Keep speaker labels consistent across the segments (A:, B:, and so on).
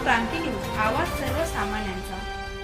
A: क्रांती news, आवाज सर्वसामान्यांचा।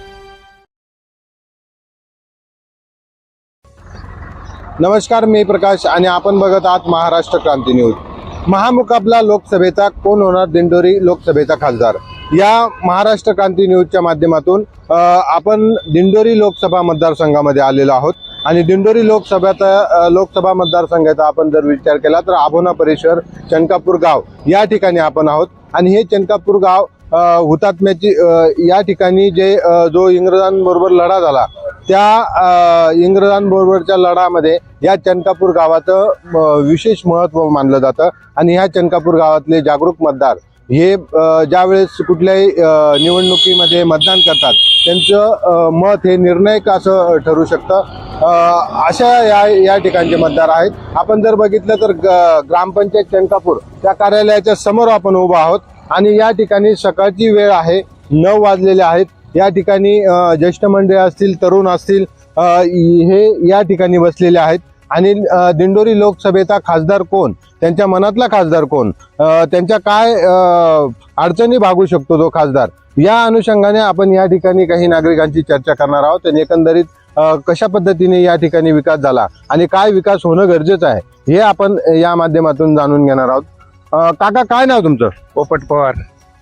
B: नमस्कार, मी प्रकाश आणि आपण बघत आहात महाराष्ट्र क्रांती न्यूज। महामुकाबला लोकसभेचा कोण होणार दिंडोरी लोकसभेचा खासदार, या महाराष्ट्र क्रांती न्यूजच्या माध्यमातून आपण दिंडोरी लोकसभा मतदारसंघामध्ये आलेलो आहोत। आणि दिंडोरी लोकसभा मतदारसंघाचा आपण जर विचार केला तर आभोना परिसर चनकापूर गाव या ठिकाणी आपण आहोत। आणि हे चनकापूर गाव हुतात्म्याची या ठिकाणी जो इंग्रजांबरोबर लढा झाला, त्या इंग्रजांबरोबरच्या लढामध्ये या चनकापूर गावाचं विशेष महत्त्व मानलं जातं। आणि ह्या चनकापूर गावातले जागरूक मतदार हे ज्यावेळेस कुठल्याही निवडणुकीमध्ये मतदान करतात, त्यांचं मत हे निर्णायक असं ठरू शकतं। अशा या ठिकाणचे मतदार आहेत। आपण जर बघितलं तर ग्रामपंचायत चनकापूर त्या कार्यालयाच्या समोर आपण उभा आहोत। आणि या ठिकाणी सकाळची वेळ आहे, 9 वाजलेले आहेत। या ठिकाणी ज्येष्ठ मंडळी असतील, तरुण असतील, हे या ठिकाणी बसलेले आहेत। आणि दिंडोरी लोकसभेचा खासदार कोण, त्यांच्या मनातला खासदार कोण, त्यांच्या काय अडचणी भागू शकतो तो खासदार, या अनुषंगाने आपण या ठिकाणी काही नागरिकांची चर्चा करणार आहोत। आणि एकंदरीत कशा पद्धतीने या ठिकाणी विकास झाला आणि काय विकास होणं गरजेचं आहे हे आपण या माध्यमातून जाणून घेणार आहोत। काका, काय नाव तुमचं?
C: पोपट पवार।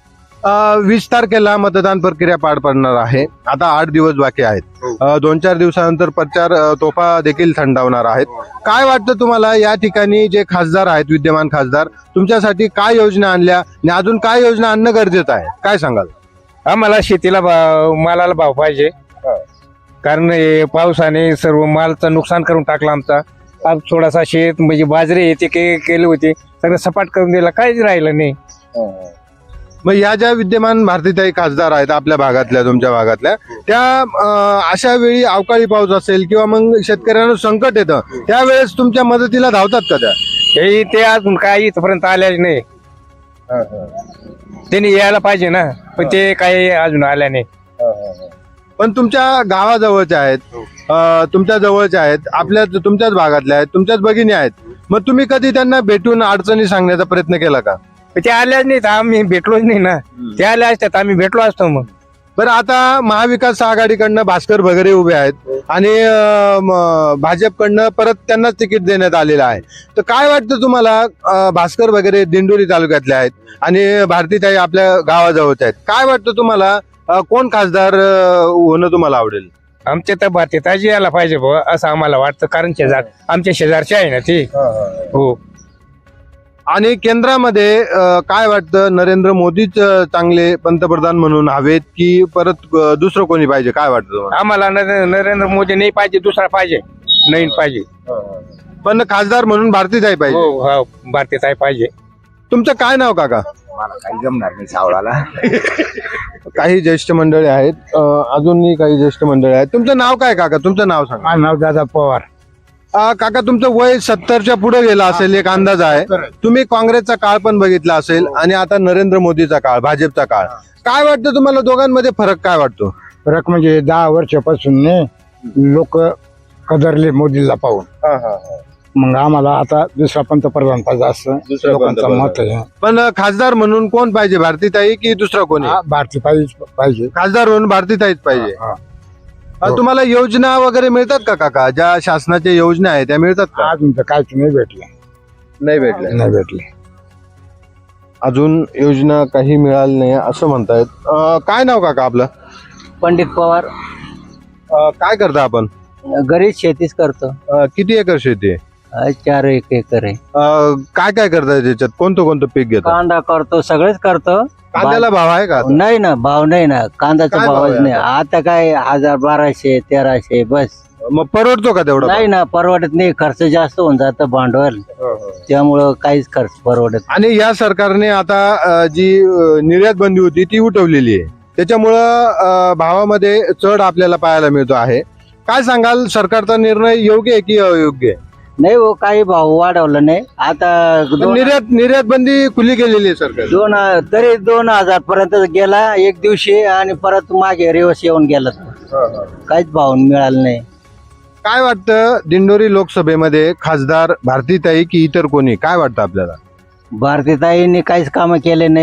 B: 20 तारखेला मतदान प्रक्रिया पार पडणार आहे। आता 8 दिवस बाकी आहेत। 2-4 दिवसानंतर प्रचार तोफा देखील थंडावणार आहेत। काय वाटतं तुम्हाला, या ठिकाणी जे खासदार आहेत, विद्यमान खासदार, तुमच्यासाठी काय योजना आणल्या आणि अजून काय योजना आणणं गरजेचं आहे, काय सांगाल?
C: आम्हाला शेतीला मालाला भाव पाहिजे, कारण हे पावसाने सर्व मालचं नुकसान करून टाकलं आमचा। आज थोडासा शेत म्हणजे बाजरी येते केले होते, सगळं सपाट करून दिला, काहीच राहिलं नाही।
B: मग या ज्या विद्यमान भारतीताई खासदार आहेत आपल्या भागातल्या, तुमच्या भागातल्या, त्या अशा वेळी अवकाळी पाऊस असेल किंवा मग शेतकऱ्यांना संकट येतं, त्यावेळेस तुमच्या मदतीला धावतात का त्या?
C: ते अजून काही इथपर्यंत आल्याच नाही। त्यांनी यायला पाहिजे ना, पण ते काही अजून आल्या नाही।
B: पण तुमच्या गावाजवळच्या आहेत, तुमच्या जवळच्या आहेत, तुमच्याच भागातल्या आहेत, तुमच्याच भगिनी आहेत। मग तुम्ही कधी त्यांना भेटून अडचणी सांगण्याचा प्रयत्न केला का?
C: ते आल्याच नाही, आम्ही भेटलोच नाही ना। ते आल्या असतात आम्ही भेटलो असतो मग।
B: बरं, आता महाविकास आघाडीकडनं भास्कर भगरे उभे आहेत आणि भाजपकडनं परत त्यांनाच तिकीट देण्यात आलेलं आहे। तर काय वाटतं तुम्हाला, भास्कर भगरे दिंडोरी तालुक्यातले आहेत आणि भारतीताई आपल्या गावाजवळच्या आहेत, काय वाटतं तुम्हाला, कोण खासदार होणं तुम्हाला आवडेल?
C: आमच्या तर भारतीताई यायला पाहिजे बुवा असं आम्हाला वाटतं, कारण आमच्या शेजारचे आहे ना ते। हो।
B: आणि केंद्रामध्ये काय वाटतं, नरेंद्र मोदीच चांगले पंतप्रधान म्हणून हवेत की परत दुसरं कोणी पाहिजे, काय वाटतं तुम्हाला?
C: आम्हाला नरेंद्र मोदी नाही पाहिजे, दुसरा पाहिजे, नवीन पाहिजे।
B: पण खासदार म्हणून भारतीताई पाहिजे।
C: हो, भारतीताई पाहिजे।
B: तुमचं काय नाव काका?
D: मला काही जमणार नाही सावळाला।
B: काही ज्येष्ठ मंडळी आहेत, अजूनही काही ज्येष्ठ मंडळी आहेत। तुमचं नाव काय काका? तुमचं नाव सांगा।
C: माझं नाव दादा पवार।
B: काका, तुमचं वय 70च्या पुढे गेलं असेल एक अंदाज आहे। तुम्ही काँग्रेसचा काळ पण बघितला असेल आणि आता नरेंद्र मोदीचा काळ, भाजपचा काळ, काय वाटतं तुम्हाला, दोघांमध्ये फरक काय वाटतो?
E: फरक म्हणजे 10 वर्षापासून लोक कदरले मोदीला पाहून, मग आम्हाला आता दुसरा पंतप्रधान पाहिजे असं लोकांचं मत आहे।
B: पण खासदार म्हणून कोण पाहिजे, भारतीताई की दुसरा कोणी?
E: भारती पाहिजे,
B: खासदार म्हणून भारतीताईच पाहिजे। तुम्हाला योजना वगैरे मिळतात का काका? ज्या शासनाच्या योजना आहेत त्या मिळतात का?
E: अजून तर काहीच नाही भेटलं, नाही भेटले
B: अजून योजना काही मिळाली नाही असं म्हणतायत। काय नाव काका आपलं?
F: पंडित पवार।
B: काय करता आपण?
F: घरीच शेतीच करतो।
B: किती एकर शेती आहे?
F: 4 एकर आहे।
B: काय काय करताय त्याच्यात? कोणतं पीक घेतो?
F: कांदा करतो, सगळेच करतो।
B: कांद्याला भाव आहे का?
F: नाही ना, भाव नाही ना, कांद्याचा
B: काय भाव
F: भावच
B: आहे
F: नाही। आता काय 1000, 1200, 1300 बस।
B: मग परवडतो का तेवढा?
F: नाही ना, परवडत नाही, खर्च जास्त होऊन जातं भांडवल, त्यामुळं काहीच खर्च परवडत।
B: आणि या सरकारने आता जी निर्यात बंदी होती ती उठवलेली आहे, त्याच्यामुळं भावामध्ये चढ आपल्याला पाहायला मिळतो आहे। काय सांगाल, सरकारचा निर्णय योग्य आहे की अयोग्य आहे?
F: नाही हो, काही भाव वाढवलं नाही आता।
B: निर्यात बंदी खुली केलेली आहे सरकार।
F: तरी 2000 पर्यंत गेला एक दिवशी आणि परत मागे रिवर्स येऊन गेला, काहीच भाव मिळाला नाही।
B: काय वाटतं, दिंडोरी लोकसभेमध्ये खासदार भारतीताई की इतर कोणी, काय वाटतं आपल्याला?
F: भारतीताईंनी काहीच कामं केले नाही,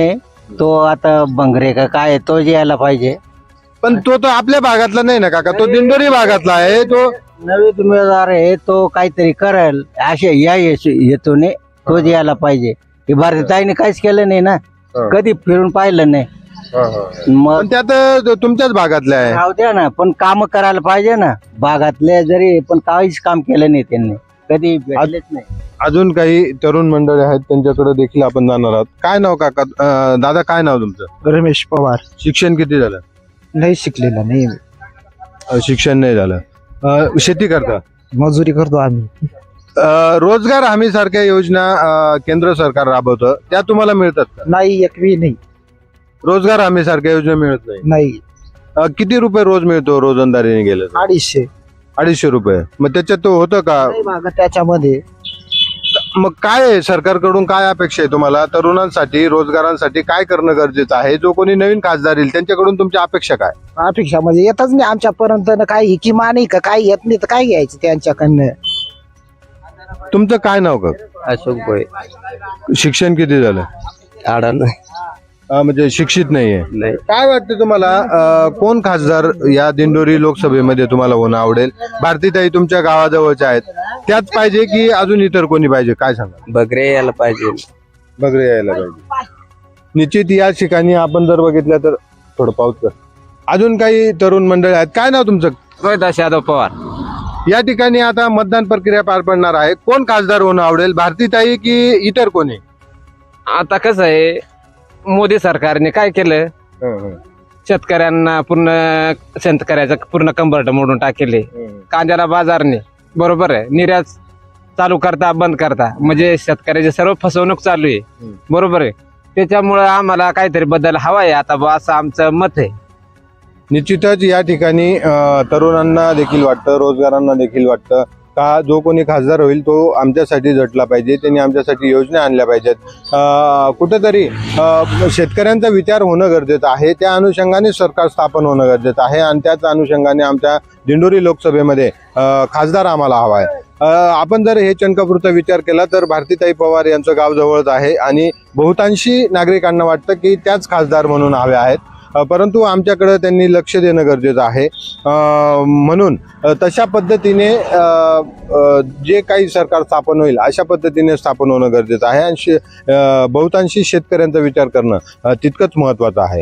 F: तो आता भंगरे का काय आहे, तो यायला पाहिजे.
B: पण तो तर आपल्या भागातला नाही ना काका, तो दिंडोरी भागातला आहे. तो
F: नवीन उमेदवार आहे, तो काहीतरी करेल असे या हेतूने तो यायला पाहिजे. हे भारतीताईने काहीच केलं नाही ना, कधी फिरून पाहिलं नाही. मग
B: पण त्यात तुमच्याच भागातले आहे.
F: राहू द्या ना, पण काम करायला पाहिजे ना भागातले, जरी पण काहीच काम केलं नाही त्यांनी, कधी भेटलेच नाही.
B: अजून काही तरुण मंडळी आहेत, त्यांच्याकडे देखील आपण जाणार आहोत. काय नाव काका? दादा काय नाव तुमचं?
E: रमेश पवार.
B: शिक्षण किती झालं?
E: नाही शिकलेला नाही,
B: शिक्षण नाही झालं. शेती करता?
E: मजुरी करतो आम्ही.
B: रोजगार हमी सारख्या योजना केंद्र सरकार राबवतं, त्या तुम्हाला मिळतात का?
E: नाही, एकवी नाही.
B: रोजगार हमी सारख्या योजना मिळत नाही.
E: नाही,
B: किती रुपये रोज मिळतो रोजंदारीने गेलं तर?
E: 250.
B: 250 रुपये. मग त्याच्यात तो होतं का?
E: नाही मागं त्याच्यामध्ये.
B: मग काय आहे, सरकारकडून काय अपेक्षा आहे तुम्हाला? तरुणांसाठी, रोजगारांसाठी काय करणं गरजेचं आहे? जो कोणी नवीन खासदार येईल त्यांच्याकडून तुमची अपेक्षा काय?
E: अपेक्षा म्हणजे येतच नाही आमच्यापर्यंत ना, काही किमान नाही का, काही येत नाही तर काय घ्यायचं त्यांच्याकडनं.
B: तुमचं काय नाव का?
F: अशोक भोये.
B: शिक्षण किती झालं? म्हणजे शिक्षित नाहीये. काय वाटतं तुम्हाला, कोण खासदार या दिंडोरी लोकसभेमध्ये तुम्हाला होणं आवडेल? भारतीताई तुमच्या गावाजवळच्या आहेत, त्याच पाहिजे की अजून इतर कोणी पाहिजे? काय सांगा?
F: बगरे यायला पाहिजे.
B: बगरे यायला पाहिजे. निश्चित या ठिकाणी आपण जर बघितलं तर थोडं पाऊस कर. अजून काही तरुण मंडळ आहेत. काय नाव तुमचं?
C: रोहिदास यादव पवार.
B: या ठिकाणी आता मतदान प्रक्रिया पार पडणार आहे. कोण खासदार होणं आवडेल, भारतीताई की इतर कोणी?
C: आता कसं आहे, मोदी सरकारने काय केलं, शेतकऱ्यांना शेतकऱ्याचं पूर्ण कंबरट मोडून टाकेले. कांद्याला बाजारने बरोबर आहे, निर्यात चालू करता बंद करता, म्हणजे शेतकऱ्याची सर्व फसवणूक चालू आहे. बरोबर आहे. त्याच्यामुळं आम्हाला काहीतरी बदल हवा आहे आता बा, असं आमचं मत आहे.
B: निश्चितच या ठिकाणी तरुणांना देखील वाटतं, रोजगारांना देखील वाटतं का जो कोणी खासदार होईल तो आमच्यासाठी झटला पाहिजे, त्यांनी आमच्यासाठी योजना आणल्या पाहिजेत. कुठेतरी शेतकऱ्यांचा विचार होणं गरजेचं आहे. त्या अनुषंगाने सरकार स्थापन होणं गरजेचं आहे आणि त्याच अनुषंगाने आमच्या दिंडोरी लोकसभेमध्ये खासदार आम्हाला हवा आहे. आपण जर हे चणकापुरता विचार केला तर भारतीताई पवार यांचं गाव जवळच आहे आणि बहुतांशी नागरिकांना वाटतं की त्याच खासदार म्हणून हवे आहेत. परंतु आमच्याकडे त्यांनी लक्ष देणं गरजेचं आहे. म्हणून तशा पद्धतीने जे काही सरकार स्थापन होईल अशा पद्धतीने स्थापन होणं गरजेचं आहे आणि बहुतांशी शेतकऱ्यांचा विचार करणं तितकंच महत्त्वाचं आहे.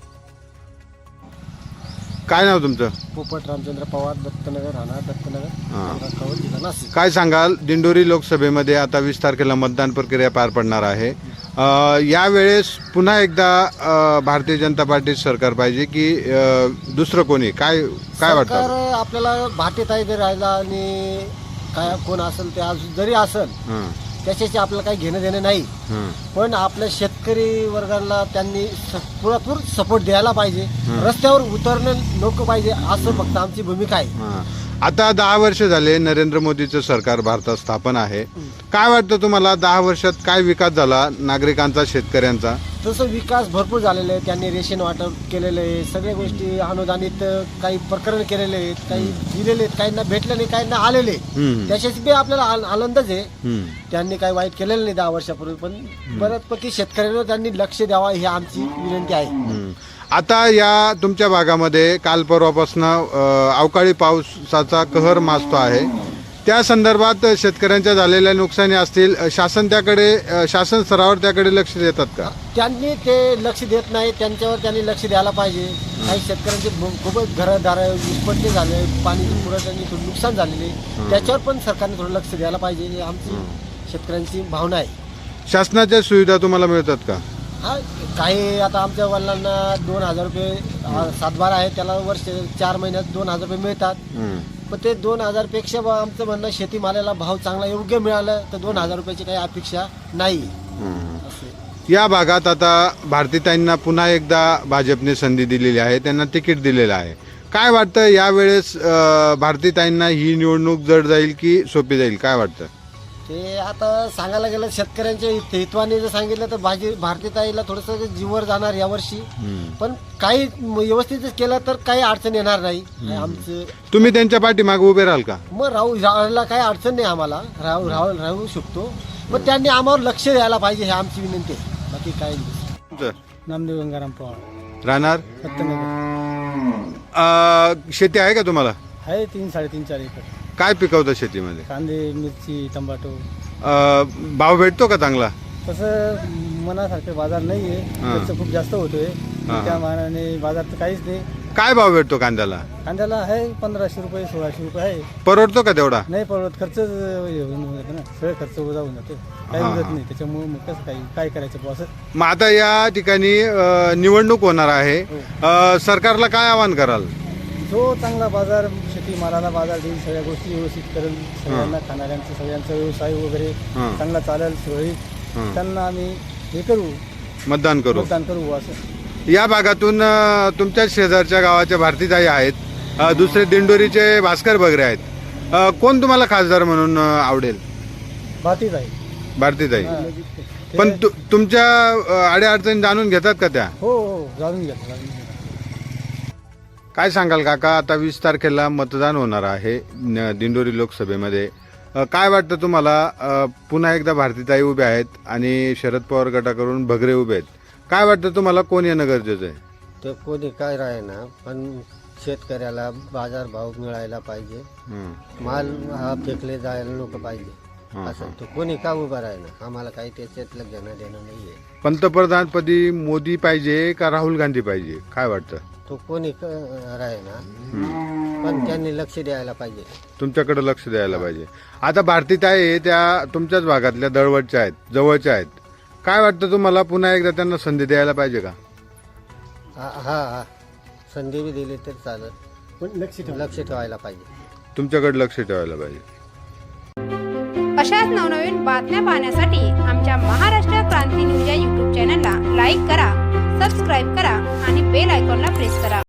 B: काय नाव तुमचं?
E: पोपट रामचंद्र पवार, दत्तनगर, राहणार दत्तनगर, जिल्हा नाशिक.
B: काय सांगाल, दिंडोरी लोकसभेमध्ये आता 20 तारखेला मतदान प्रक्रिया पार पडणार आहे. यावेळेस पुन्हा एकदा भारतीय जनता पार्टी सरकार पाहिजे की दुसरं कोणी? काय वाटतं
E: आपल्याला? भारतीताई जरी राहिला आणि काय कोण असेल ते जरी असेल त्याच्याशी आपल्याला काही घेणं देणं नाही, पण आपल्या शेतकरी वर्गाला त्यांनी पुरेपूर सपोर्ट द्यायला पाहिजे. रस्त्यावर उतरणं नको पाहिजे, असं फक्त आमची भूमिका आहे.
B: आता 10 वर्ष झाले नरेंद्र मोदीचं सरकार भारतात स्थापन आहे. काय वाटतं तुम्हाला, 10 वर्षात काय विकास झाला नागरिकांचा, शेतकऱ्यांचा?
E: तसं विकास भरपूर झालेला आहे. त्यांनी रेशन वाटप केलेलं आहे, सगळ्या गोष्टी अनुदानित काही प्रकरण केलेले आहेत, काही दिलेले आहेत, काहींना भेटले नाही, काहींना आलेले. त्याच्याशी बी आपल्याला आनंदच आहे. त्यांनी काही वाईट केलेलं नाही 10 वर्षापूर्वी, पण बऱ्याचपैकी शेतकऱ्यांवर त्यांनी लक्ष द्यावा ही आमची विनंती आहे.
B: आता या तुमच्या भागामध्ये काल परवापासून अवकाळी पावसाचा कहर माजतो आहे. त्या संदर्भात शेतकऱ्यांच्या झालेल्या नुकसानी असतील, शासन स्तरावर त्याकडे लक्ष देतात का?
E: त्यांनी ते लक्ष देत नाही, त्यांच्यावर त्यांनी लक्ष द्यायला पाहिजे. काही शेतकऱ्यांचे खूपच घरदार विस्पट्टे झाले, पाणी पुरवठ्याने थोडं नुकसान झालेले, त्याच्यावर पण सरकारने थोडं लक्ष द्यायला पाहिजे, ही आमची शेतकऱ्यांची भावना आहे.
B: शासनाच्या सुविधा तुम्हाला मिळतात का?
E: हा, काही आता आमच्या वडिलांना 2000 रुपये सातबारा आहे, त्याला वर्ष 4 महिन्यात 2000 रुपये मिळतात. पण ते 2000 पेक्षा आमचं म्हणणं शेतीमालाला भाव चांगला योग्य मिळाला तर 2000 रुपयाची काही अपेक्षा नाही.
B: या भागात आता भारतीताईंना पुन्हा एकदा भाजपने संधी दिलेली आहे, त्यांना तिकीट दिलेलं आहे. काय वाटतं यावेळेस भारतीताईंना ही निवडणूक जड जाईल की सोपी जाईल? काय वाटतं?
E: ते आता सांगायला गेलं शेतकऱ्यांच्या हितवाने जर सांगितलं तर भारतीताईला थोडंसं जीवर जाणार यावर्षी, पण काही व्यवस्थित केलं तर काही अडचण येणार नाही. आमचं
B: तुम्ही त्यांच्या पाठीमागे उभे राहाल का?
E: मग राहायला काही अडचण नाही, आम्हाला राहू शकतो, पण त्यांनी आम्हावर लक्ष द्यायला पाहिजे, हे आमची विनंती आहे, बाकी काही नाही. नामदेव गंगाराम पवार,
B: राहणार
E: सत्यनगर.
B: शेती आहे का तुम्हाला?
E: आहे 3-3.5-4 एकर.
B: काय पिकवतं शेतीमध्ये?
E: कांदे, मिरची, टमाटो.
B: भाव भेटतो का चांगला?
E: तसं मनासारखं बाजार नाही आहे, खर्च खूप जास्त होतोय. त्या मानाने बाजार तर काहीच नाही.
B: काय भाव भेटतो कांद्याला?
E: कांद्याला आहे 1500 रुपये 1600 रुपये आहे.
B: परवडतो का तेवढा?
E: नाही परवडत, खर्च होऊन जातो ना, सगळं खर्च वजा होऊन जातो, काही उरत नाही. त्याच्यामुळे मग कसं काय करायचं बुवा असं.
B: मग आता या ठिकाणी निवडणूक होणार आहे, सरकारला काय आवाहन कराल?
E: जो चांगला बाजार, शेतीमालाला बाजार देईल, सगळ्या गोष्टी व्यवस्थित करेल, सगळ्यांना खाणाऱ्यांचा सगळ्यांचा व्यवसाय वगैरे चांगला चालेल सुरळीत, त्यांना आम्ही हे करू,
B: मतदान करू
E: असं.
B: या भागातून तुमच्या शेजारच्या गावाच्या भारतीताई आहेत, दुसरे दिंडोरीचे भास्कर बगरे आहेत. कोण तुम्हाला खासदार म्हणून आवडेल? भारतीताई. पण तुमच्या अडीअडचणी जाणून घेतात का त्या?
E: हो जाणून घ्या.
B: काय सांगाल काका, आता 20 तारखेला मतदान होणार आहे दिंडोरी लोकसभेमध्ये. काय वाटतं तुम्हाला? पुन्हा एकदा भारतीताई उभे आहेत आणि शरद पवार गटाकडून भगरे उभे आहेत. काय वाटतं तुम्हाला, कोण येणं गरजेचं आहे?
G: ते कोणी काय राहीना, पण शेतकऱ्याला बाजार भाव मिळायला पाहिजे, माल हा फेकले जायला नको पाहिजे, असं तो कोणी का उभा राहीना. आम्हाला काही त्याच्यातलं घेणं देणं नाहीये.
B: पंतप्रधानपदी मोदी पाहिजे का राहुल गांधी पाहिजे? काय वाटतं?
G: तो कोणी राहीना, पण त्यांनी लक्ष द्यायला पाहिजे.
B: तुमच्याकडे लक्ष द्यायला पाहिजे. आता भारतीताई त्या तुमच्याच भागातल्या दळवटच्या आहेत, जवळच्या आहेत. काय वाटतं तुम्हाला, पुन्हा एकदा त्यांना संधी द्यायला पाहिजे का?
G: हा संधी बी दिली तर चालेल, पण लक्ष ठेवायला पाहिजे.
B: तुमच्याकडे लक्ष ठेवायला पाहिजे.
A: अशाच नवनवीन बातम्या पाहण्यासाठी आमच्या महाराष्ट्र क्रांती न्यूज या YouTube चॅनलला लाईक करा, सबस्क्राईब करा आणि बेल आयकॉनला प्रेस करा.